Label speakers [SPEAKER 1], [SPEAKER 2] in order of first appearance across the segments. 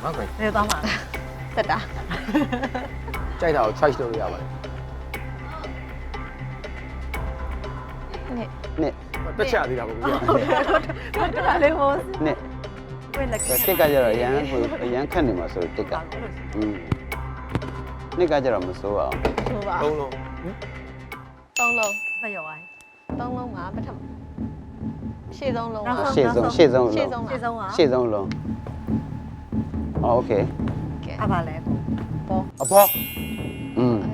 [SPEAKER 1] ဟုတ်ကဲ့
[SPEAKER 2] နေသွားမှာတက်တာ
[SPEAKER 1] ကြိုက်တာကို choice လုပ်လို့ရပါတယ်
[SPEAKER 2] နဲ့
[SPEAKER 3] နှစ်
[SPEAKER 1] တက်ချသေးတာပေါ့ဗျာ
[SPEAKER 2] တက်တာလေးဟို
[SPEAKER 3] နှစ်
[SPEAKER 2] ဝဲလက်
[SPEAKER 3] တစ်ကကြတော့ရန်ဟိုရန်ခတ်နေမှာဆိုတစ်ကနှစ်ကကြတော့မစိုးအောင်
[SPEAKER 2] ဆိုပါ
[SPEAKER 1] သုံးလုံး
[SPEAKER 2] 3လုံး
[SPEAKER 4] မရောပါ
[SPEAKER 2] 3
[SPEAKER 4] ဘူး
[SPEAKER 2] လုံးမှာပထမရှေ့ဆုံးလုံးက
[SPEAKER 3] ရှေ့ဆုံးရှေ့ဆုံး
[SPEAKER 2] ရှေ့
[SPEAKER 3] လုံး
[SPEAKER 2] ဆုံး
[SPEAKER 4] ရှေ့ဆုံးက
[SPEAKER 3] ရှေ့ဆုံးလုံးโอเค
[SPEAKER 2] ကဲ
[SPEAKER 4] အပါလဲပေါ့
[SPEAKER 1] အဘော
[SPEAKER 3] อืม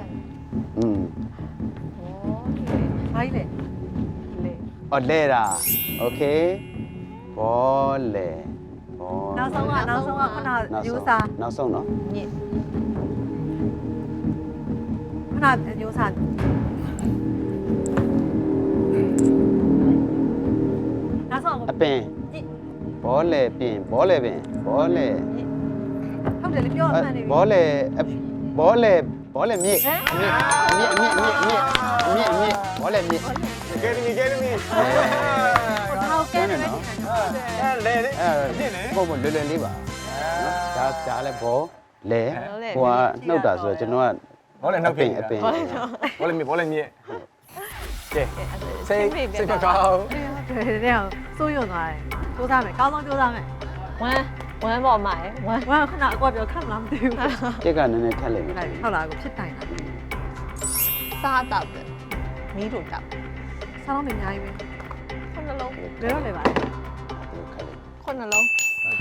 [SPEAKER 4] ဘာကြီးလဲလေ
[SPEAKER 3] အော်လဲတာโอเคဘောလဲဘော
[SPEAKER 4] နောက်ဆုံးကခုနယူစာ
[SPEAKER 3] နောက်ဆုံးနော်
[SPEAKER 2] ညစ်
[SPEAKER 4] ခုနယူစာနောက်ဆုံး
[SPEAKER 3] အပင်ဘောလဲပင်ဘောလဲပင်ဘောလဲ
[SPEAKER 4] ဟုတ်တယ်လေပြောမှန်နေပြီ
[SPEAKER 3] ဘောလဲဘောလဲမြစ်မြစ်ဘောလဲမြစ်
[SPEAKER 1] ကဲမီ
[SPEAKER 4] ဟောကဲတယ်နော်
[SPEAKER 1] အဲလေလေ
[SPEAKER 3] ပုံမလွယ်လွယ်လေးပါဒါလည်းဘောလဲဟိုကနှုတ်တာဆိုတော့ကျွန်တော်က
[SPEAKER 1] ဘောလည်းနှုတ်ပြင်
[SPEAKER 3] အပင်
[SPEAKER 1] ဘောလည်းမြစ်ကဲစိတ်ကောင်း
[SPEAKER 4] တယ်တဲ့စိုးရွံ့သွားတယ်စူးစမ်းမယ်ကောင်းဆုံးစူးစမ်းမယ်
[SPEAKER 2] ဝမ်းပေါ်မှာဝမ်း
[SPEAKER 4] ဝါခဏအကွာပြောခက်မလားမသိဘူး
[SPEAKER 3] တက်ကနည်းနည်းထက်လိုက်မယ်
[SPEAKER 4] ဟုတ်လားကိုဖြစ်တိုင်တာ
[SPEAKER 2] စားတော့တယ်မီးတို့တောက်
[SPEAKER 4] ဆောင်းမအများကြီးပဲ
[SPEAKER 2] ခုနှလုံး
[SPEAKER 4] ဘယ်တော့လဲပါ
[SPEAKER 2] ခုနှလုံး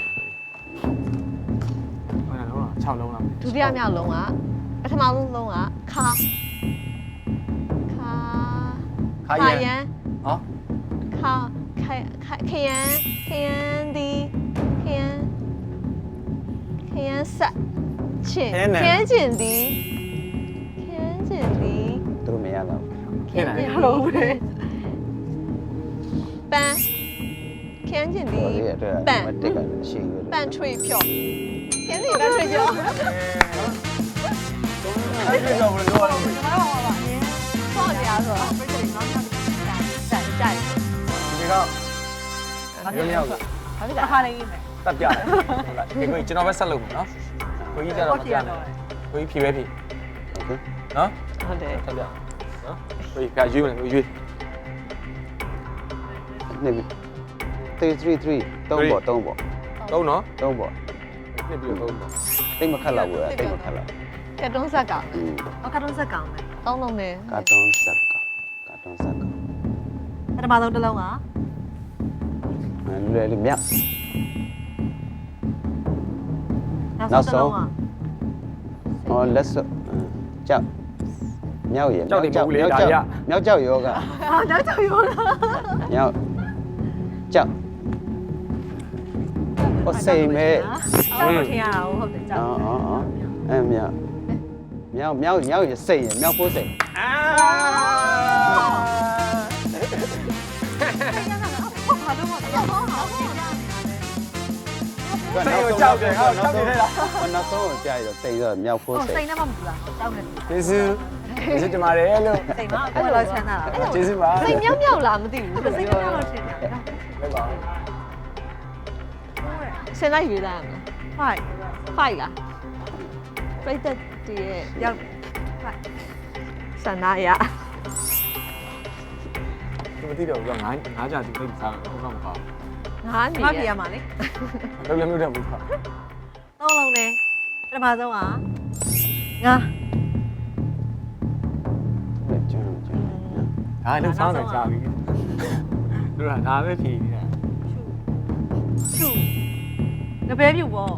[SPEAKER 1] ဟုတ်လား6လုံးလား
[SPEAKER 2] ဒုတိယမြောက်လုံးကပထမဆုံးလုံးကခါ
[SPEAKER 1] ခါရန်ဟော
[SPEAKER 2] ခယန်ဒီခယန်ဆက်ချင်ခယန်ကျင်ဒီ
[SPEAKER 3] သူတို့မရတော့
[SPEAKER 1] ခင်းတယ်
[SPEAKER 4] ဟလို့ပဲ
[SPEAKER 2] ပန်းခယန်ကျင်ဒီ
[SPEAKER 3] ဘောလေးအတွက်တက်ကရှိရ
[SPEAKER 2] ပန်းထွေဖြော့ခယန်ဒီပန်းထွေဖြော့
[SPEAKER 1] အဲ့ဒီတော့ဘယ်လိုလုပ်ရလဲ
[SPEAKER 2] ဆော့ကြဆိုတော့
[SPEAKER 4] ပြည့်တယ်ကောင်းကောင်း
[SPEAKER 2] ကြိုက်
[SPEAKER 1] ဒီကောင်ရုံရောက်
[SPEAKER 2] ဘာဖြစ်လဲ
[SPEAKER 4] အားလေးမယ်
[SPEAKER 1] တက်ပြတယ်ဟုတ်လားဒီကိုကျွန်တော်ပဲဆက်လုပ်မယ်နော်ကိုကြီးကြတော့မပြနဲ့ကိုကြီးဖြေပဲဖြေ
[SPEAKER 3] โอเค
[SPEAKER 1] နော်
[SPEAKER 2] ဟုတ်တယ်
[SPEAKER 1] တက်ပြနော်ကိုကြီးကရွေးမယ်ကိုရွေး
[SPEAKER 3] နှစ်333 3ပေါ့
[SPEAKER 1] သုံးနော်
[SPEAKER 3] 3ပေါ့
[SPEAKER 1] နှစ်ပြီးတော့သုံးနော်
[SPEAKER 3] တိတ်မခက်တော့ဘူးတိတ်မခက်တော့
[SPEAKER 2] ကတ်တုံးဆက်က
[SPEAKER 4] အခါတုံးဆက်ကောင်းမယ်
[SPEAKER 2] သုံးလုံးနဲ့
[SPEAKER 3] ကာတွန်းဆက်က
[SPEAKER 4] ပထမဆုံးတစ်လုံးက
[SPEAKER 3] လွယ်လေးမြောက်
[SPEAKER 4] နောက်ဆုံးတစ်လုံးက
[SPEAKER 3] ဟောလက်စွပ်ကြောက်မြောက်ရမြောက်ကြောက်ယောဂ
[SPEAKER 4] အာနောက်ကြောက်ရောလား
[SPEAKER 3] မြောက်ကြောက် ဟိုစိမ်မဲ့
[SPEAKER 4] တောက်ထင်ရတာဟုတ်တယ်ကြောက်
[SPEAKER 3] အော်အဲမြောက်ရစိမ်ရမြောက်ဖို့စိမ်
[SPEAKER 1] အာ
[SPEAKER 4] ဘာလို့မတော်ဟောဟော
[SPEAKER 1] ကြောက်တယ်ဟောကြောက်နေလား
[SPEAKER 3] နောက်ဆုံးကိုကြာရစိမ်ဆိုမြောက်ဖို့စိမ်
[SPEAKER 4] စိတ်နဲ့မှမပူလားကြောက်နေ
[SPEAKER 1] ကျေးဇူးတင်ပါတယ်လို့
[SPEAKER 4] စိတ်မှာအခုလောက်ချမ်းသာတာ
[SPEAKER 1] ကျေးဇူးပါ
[SPEAKER 2] စိတ်မြောက်လားမသိဘူး
[SPEAKER 4] စိတ်နဲ့လောက်ထင်တာ
[SPEAKER 1] ပဲပါ
[SPEAKER 2] ဆင်းလိုက်ရွေးလိုက်ရမ
[SPEAKER 4] ဖိုက်
[SPEAKER 2] လားဖိုက်လားပြိတ္တတည်းရဲ့
[SPEAKER 4] ရောက်ဖိုက်
[SPEAKER 2] ဆန္ဒရ
[SPEAKER 1] မသိတော့ဘူးငါးကြသူသိစားတော့ဟုတ်မှာမပါ
[SPEAKER 2] ငါးနေ
[SPEAKER 4] မပြရမှာလေ
[SPEAKER 1] ဘူးလုံးလည်းမလုပ်တော့ဘူး
[SPEAKER 4] သုံးလုံးနဲ့ပထမဆုံးကငါ
[SPEAKER 3] ကျွန်း
[SPEAKER 1] ဒါလည်းစောင်းတယ်ကြာပြီတို့ကဒါပဲဖြေနေတာ
[SPEAKER 4] ချူငပဲပြူပေါ့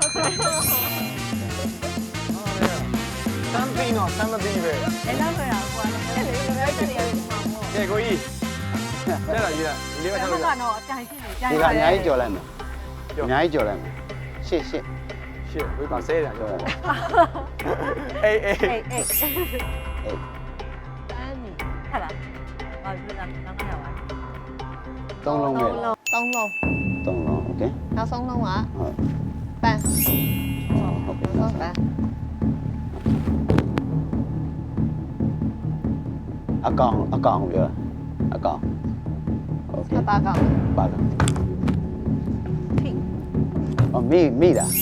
[SPEAKER 1] စမ်းပြီးတော့စမ်းမပြီးပဲ
[SPEAKER 4] အဲ့လောက်ဆိုရကွာအဲ့လေငပဲပြူရမှာပေါ့
[SPEAKER 1] ကဲကိုကြီးတဲ့လားကြီးလားဒီလေးပဲ
[SPEAKER 4] အဲ့
[SPEAKER 1] ထား
[SPEAKER 4] မှာ
[SPEAKER 1] လို့
[SPEAKER 4] ကတော့အကြိုင်ဖြစ်နေကြိုင်
[SPEAKER 3] ဒီကအများကြီးကြော်လိုက်မယ်အများကြီးကြော်လိုက်မယ်ရှစ်
[SPEAKER 1] ရှစ်ဝေးပါဆဲတာ
[SPEAKER 3] ကြော်
[SPEAKER 1] ကြော
[SPEAKER 3] လိုက်
[SPEAKER 1] အေးအေး
[SPEAKER 4] အေးအေး
[SPEAKER 2] အန်နီ
[SPEAKER 4] ဟာလားဘာလို့လဲနောက်ခါရပါ
[SPEAKER 3] သုံးလုံးပဲ
[SPEAKER 2] သုံးလုံး
[SPEAKER 3] သုံးလုံးโอเค
[SPEAKER 2] နောက်ဆုံးလုံးက
[SPEAKER 3] ဟုတ်
[SPEAKER 2] ပန်း
[SPEAKER 3] ဟုတ်ကဲ့
[SPEAKER 2] ဟုတ်ပန်း
[SPEAKER 3] အကောင်ပြောအကောင်โอเค
[SPEAKER 2] အပါကောင်
[SPEAKER 3] ပါတော့
[SPEAKER 4] ထိ
[SPEAKER 3] 哦，米的，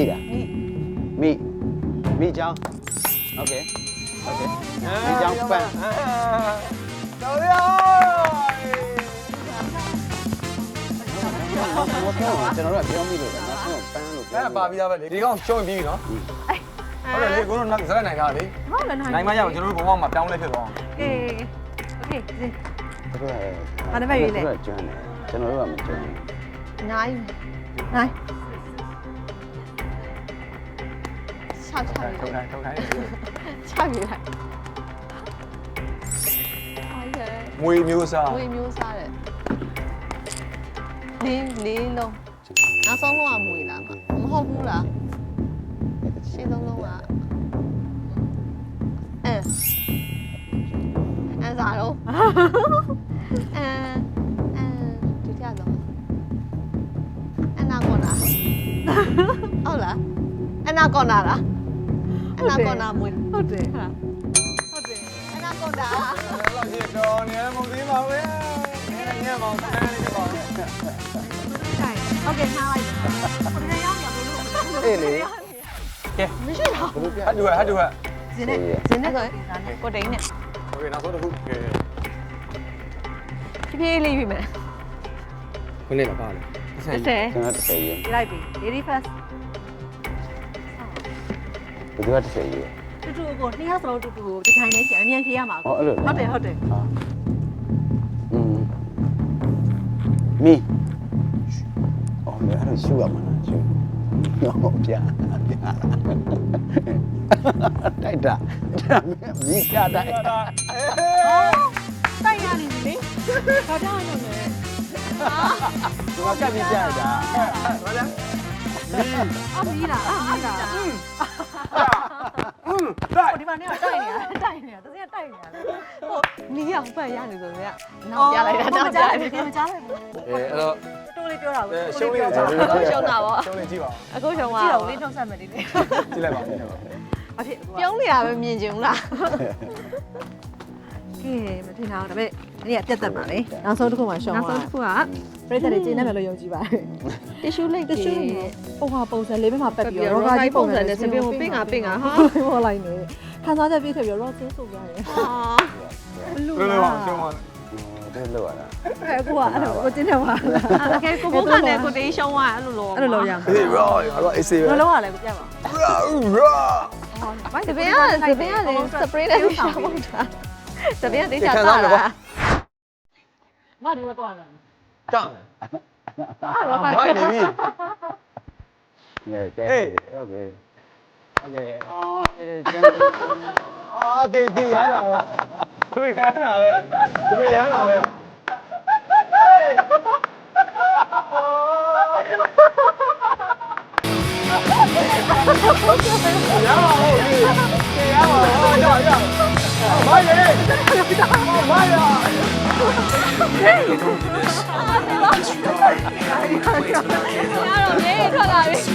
[SPEAKER 3] 米浆，OK，米浆饭，
[SPEAKER 1] 走了。
[SPEAKER 3] 我听我ကျွန်တော်တို့ကပြောမိလို့လေနောက်ဆုံးပန်းလို့ပြော
[SPEAKER 1] အဲ့ပါပြီးသားပဲလေဒီကောင်ရှုံးပြီးပြီနော်ဟုတ်တယ်လေကိုတို့နောက်ဇက်နိုင်တာလေ
[SPEAKER 4] ဟုတ်လည်းနိုင်
[SPEAKER 1] နိုင်မရအောင်ကျွန်တော်တို့ဘုံဘမှာပြောင်းလဲဖြစ်သွားအောင်
[SPEAKER 4] အေးโอเคဇင်း
[SPEAKER 3] သူတို့က
[SPEAKER 4] ဘာတစ်ဖက်ရွေးလဲ
[SPEAKER 3] သူတို့ကကျွမ်းတယ်ကျွန်တော်တို့ကမကျွမ်းဘူး
[SPEAKER 2] နိုင်
[SPEAKER 4] နိုင်
[SPEAKER 2] ချချ
[SPEAKER 1] ထုတ်
[SPEAKER 2] ပြီ
[SPEAKER 1] ထိုင်ထုတ်ထိုင်
[SPEAKER 2] ချပြီလိုက်အားရ
[SPEAKER 1] မွေမျိုးစား
[SPEAKER 2] ဝေမျိုးစားတယ်လေးလုံးနောက်ဆုံးလုံးကမွေလားမဟုတ်ဘူးလားရှင်းဆုံးလုံးကအဲစားတော့ဒုတိယဆုံးအနာကောနာဟုတ်လားအနာကောနာလားအနာကောနာမွေ
[SPEAKER 4] ဟုတ်တယ်
[SPEAKER 2] ဟာ
[SPEAKER 4] ဟုတ်တယ်
[SPEAKER 2] အနာကောနာ
[SPEAKER 1] လောက်ရှိတော့နေမသိပါဘူးနေနေမောင်ဆန်းနေပါဘူး
[SPEAKER 4] တိုင်ဟုတ်ကဲ့ထားလိုက်ဟိုတည်းရောက်ရဘလို့
[SPEAKER 3] အေးလေ
[SPEAKER 1] ကဲ
[SPEAKER 2] မရှိတော့
[SPEAKER 3] ဘယ်လိုပြ
[SPEAKER 1] ဟတ်တူဟတ်တူဟတ်
[SPEAKER 4] ဇင်းနဲ့ဇင်းနဲ့ဆိုကိုတိန်နဲ့
[SPEAKER 1] โอเคနောက်ဆုံးတစ်ခုကဲ
[SPEAKER 2] ဖြည်းဖြည်းလေးပြီမယ်
[SPEAKER 1] ခုနေပါပါလေ
[SPEAKER 2] 30
[SPEAKER 3] ကျွန်တော်30ရေ
[SPEAKER 4] ပြလိုက်ပြီ lady first
[SPEAKER 3] ဘယ်သူက30ရေ
[SPEAKER 4] တူတူကိုနှစ်ယောက်စလုံးတူတူကိုဒီထိုင်နေချင်အမြန်ဖြေရမှာ
[SPEAKER 3] ဟောအဲ့လို
[SPEAKER 4] ဟုတ်တယ်ဟုတ်တယ်
[SPEAKER 3] ဟာမီအော်မင်းအဲ့လိုရှူရမှာလားရှူဟုတ်ပြတိုက်တာမီးကတိုက်
[SPEAKER 1] တာ
[SPEAKER 4] တိုက်ရနေပြီလေဘာကြောင့်လဲ
[SPEAKER 3] သူကကပ်ပြီးကြတာ
[SPEAKER 1] ဘာလဲ
[SPEAKER 4] အမီးလားအမီးလား
[SPEAKER 1] တိုက်
[SPEAKER 4] ဟိုဒီမှာနေတိုက်နေတာတကယ်တိုက်နေတာလေ
[SPEAKER 2] ဟိုနီးအောင်ပတ်ရနေဆိုတော့နောက်ပြလိုက်တာနောက်ပြလိုက်
[SPEAKER 4] မကြားလိုက်ဘူး
[SPEAKER 1] အဲအဲ့တော့
[SPEAKER 4] တိုးလေးပြောတာဘူး
[SPEAKER 1] ရှုံးလေး
[SPEAKER 2] ရှုံးတာပေါ့
[SPEAKER 1] ရှုံးလေးကြည့်ပါဦး
[SPEAKER 2] အခုရှုံး
[SPEAKER 4] ကြည့်
[SPEAKER 2] ပါ
[SPEAKER 4] တော့လေးထုတ်ဆက်မယ်ဒီလေး
[SPEAKER 1] ကြည့်လိုက်ပါဦး
[SPEAKER 4] အဖြစ်
[SPEAKER 2] ပြုံးနေတာပဲမြင်ကြုံလား
[SPEAKER 4] ကဲမထင်တာဒါပေမဲ့ဒီကပြတ်တက်ပါလေနောက်ဆုံးတစ်ခုမှရှောင်း
[SPEAKER 2] နောက်
[SPEAKER 4] သွား
[SPEAKER 2] ဆုံးတစ်ခုက
[SPEAKER 4] ပြိတ္တတွေကျင်းနေမယ်လို့ယုံကြည်ပါတယ်
[SPEAKER 2] တ िश ူးလိတ်
[SPEAKER 4] တချို့ပုံဟာပုံစံလေးပဲမှာပတ်ပြီးတော့
[SPEAKER 2] ရောဂါကြီးပုံစံနဲ့စပင်းကိုပင့်ကပင့်ကဟာ
[SPEAKER 4] ဟောလိုက်နေခံစားချက်ပြည့်ထည့်ပြီးတော့ rock ဆိုရတယ်
[SPEAKER 2] ဟာ
[SPEAKER 4] လူ
[SPEAKER 1] လွယ်လွယ်ပါရှုံးပါ
[SPEAKER 3] တဲ့လောက်ရတာ
[SPEAKER 4] အဲ့ကိုကအဲ့လိုကိုကျင်းနေပါလား
[SPEAKER 2] โอเคကိုဘုန်းကလည်းကိုတေးရှုံးသွားအဲ့လိုလို
[SPEAKER 4] အဲ့လိုလုပ်ရမှာ
[SPEAKER 1] အေးရောရောအေးစေး
[SPEAKER 4] ဘ
[SPEAKER 1] ပဲ
[SPEAKER 4] ယ်လိုလုပ်ရလဲကိုပြပါ
[SPEAKER 1] ရော
[SPEAKER 2] စပင်းကစပင်းကလည်းစပရေးနဲ့ရှောင်းတာစပင်းကတေးချတာလား
[SPEAKER 4] မဒီကတော့လာ
[SPEAKER 1] တောင်းဘာနေပြီ
[SPEAKER 3] ငယ်တဲ့ဟုတ်ကဲ့ဟုတ်ကဲ့အော်ကျန်
[SPEAKER 1] အာတေးရလာသူရလာပဲသူရလာပဲရပါဦးရပါဦးရရမိုင်းလေမိုင်းရ
[SPEAKER 2] တော့မြေထွက်လာပြီ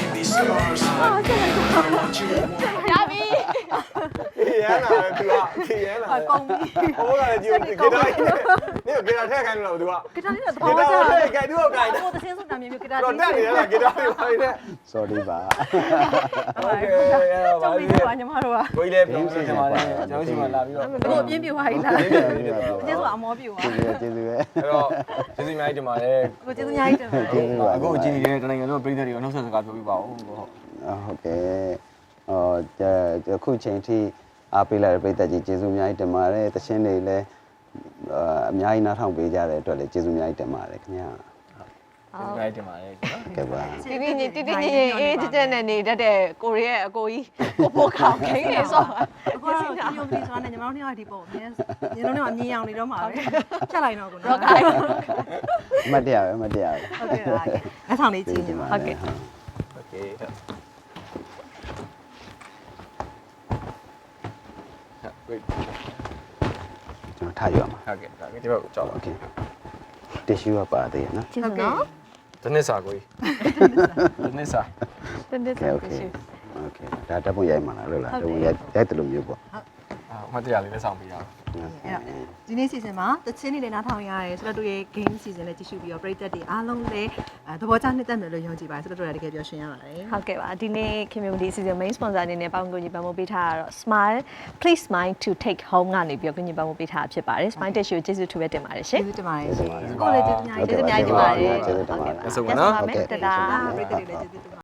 [SPEAKER 2] ရပြီ
[SPEAKER 1] ရန်လာတယ်သူကရန်လာတယ်
[SPEAKER 4] ကုန်ပြီ
[SPEAKER 1] ဟိုကလည်းကြည့်ဂီတာလေးနဲ့ဂီတာထည့်ခိုင်းလို့သူက
[SPEAKER 4] ဂီတာလေးတော့
[SPEAKER 1] ဂီတာထည့်ခိုင်းသူကခိုင်းတယ်
[SPEAKER 4] ဟိုတချင်းစုတာမျိုးဂီတာ
[SPEAKER 1] တော့တက်နေရလားဂီတာလေးပါနေ
[SPEAKER 3] sorry ပါ
[SPEAKER 1] โอเคရပါ
[SPEAKER 4] ကျောင်း
[SPEAKER 1] ပြီ
[SPEAKER 4] ပြီးတော့ညီမတို့က
[SPEAKER 1] ကိုကြီးလည်းပြောင်းနေပါတယ်ကျွန်တော်ရှိမှလာပြီးတော့
[SPEAKER 4] ကိုအပြင်းပြသွားပြီလားတချင်းစုအမောပြသွား
[SPEAKER 3] ကျေးဇူးပဲ
[SPEAKER 1] အဲ့တော့ကျေးဇူးအများကြီးတင်ပါတယ်
[SPEAKER 4] ကိုကျေးဇူးအများကြီးတင်ပါတယ်
[SPEAKER 1] အခုအကြည့်နေတဲ့တနိုင်ငံလုံးပြည်သက်တွေကိုနှုတ်ဆက်စကားပြောပြပါဦးဟုတ်
[SPEAKER 3] ဟုတ်ကဲ့အခုချိန်ထိအားပေးလိုက်တဲ့ပြည်သက်ကြီးကျေးဇူးအများကြီးတင်ပါတယ်တခြင်းတွေလည်းအများကြီးနားထောင်ပေးကြတဲ့အတွက်လည်းကျေးဇူးအများကြီးတင်ပါတယ်ခင်ဗျာ
[SPEAKER 1] ကျေးဇူးအများကြီးတင်ပါတယ်ကျွန်တော်
[SPEAKER 3] ကဲပါ
[SPEAKER 2] တီတီညတီတီညအေးကြကြနဲ့နေတတ်တဲ့ကိုရီးရဲ့အကိုကြီးကိုပိုးခေါင်ခင်းနေဆို
[SPEAKER 4] အခုတော့ဒီယုံကြည်စွာနဲ့ညီမတို့နှစ်ယောက်ဒီပုံအမြင်ညီလုံးနဲ့အမြင်အောင်နေတော့မှာပဲဖြတ်လိုက်တော့ကိုနော်
[SPEAKER 2] တော့ကိုင်း
[SPEAKER 3] မတ်တရားပဲမတ်တရားပဲ
[SPEAKER 4] ဟုတ်ကဲ့ပါအဆောင်လေးကြည့်ညီမ
[SPEAKER 2] ဟုတ်ကဲ့
[SPEAKER 1] โอเคဟုတ်
[SPEAKER 3] ကျွန်တော်ထားရအောင်
[SPEAKER 1] ဟုတ်ကဲ့ဒါဒီဘက်ကိုကြောက်ပါ
[SPEAKER 3] โอเคတ िश ူးကပါသေးရနော်
[SPEAKER 2] ကျေးဇူးနော်
[SPEAKER 1] တနစ်စာကိုတနစ်စာ
[SPEAKER 2] တင်းတင်း
[SPEAKER 3] โอเคโอเคဒါတပ်ဖို့ရိုက်မှာလားလို့လားတပ်ဖို့ရိုက်တယ်လို့မျိုးပေါ့
[SPEAKER 1] မတရားလေးလက်ဆောင်ပေးရအောင်
[SPEAKER 4] အဲ့တော့ဒီနေ့ season မှာတချင်းနေလည်းနားထောင်ရတယ်ဆိုတော့တို့ရဲ့ game season နဲ့ကြည့်ရှုပြီးတော့ပရိသတ်တွေအားလုံးလည်းသဘောကျနှစ်သက်မယ်လို့ယုံကြည်ပါတယ်ဆိုတော့တို့လည်းတကယ်ပြောရှင်းရပါတယ်
[SPEAKER 2] ဟုတ်ကဲ့ပါဒီနေ့ community season main sponsor အနေနဲ့ပေါင်းကူညီပံ့ပိုးပေးထားတာတော့ smile please smile to take home ကနေပြီးတော့ကူညီပံ့ပိုးပေးထားတာဖြစ်ပါတယ် smile tissue ကိုကျေးဇူးထူးပဲတင်ပါတယ်ရှင်
[SPEAKER 4] ကျေးဇူးတင်ပါတယ်ရှင်ကိုလည်းကျေးဇူးအများကြီး
[SPEAKER 2] ကျေးဇူးအများကြီးတင်ပါတယ်
[SPEAKER 3] ကျေးဇူးတင်ပါတယ်
[SPEAKER 2] ဟုတ်ကဲ့ပါ
[SPEAKER 1] ဆက်ဆုံးပါနော်
[SPEAKER 2] တဒါ
[SPEAKER 4] ပရိသတ်တွေလည်းကျေးဇူးတင်ပါ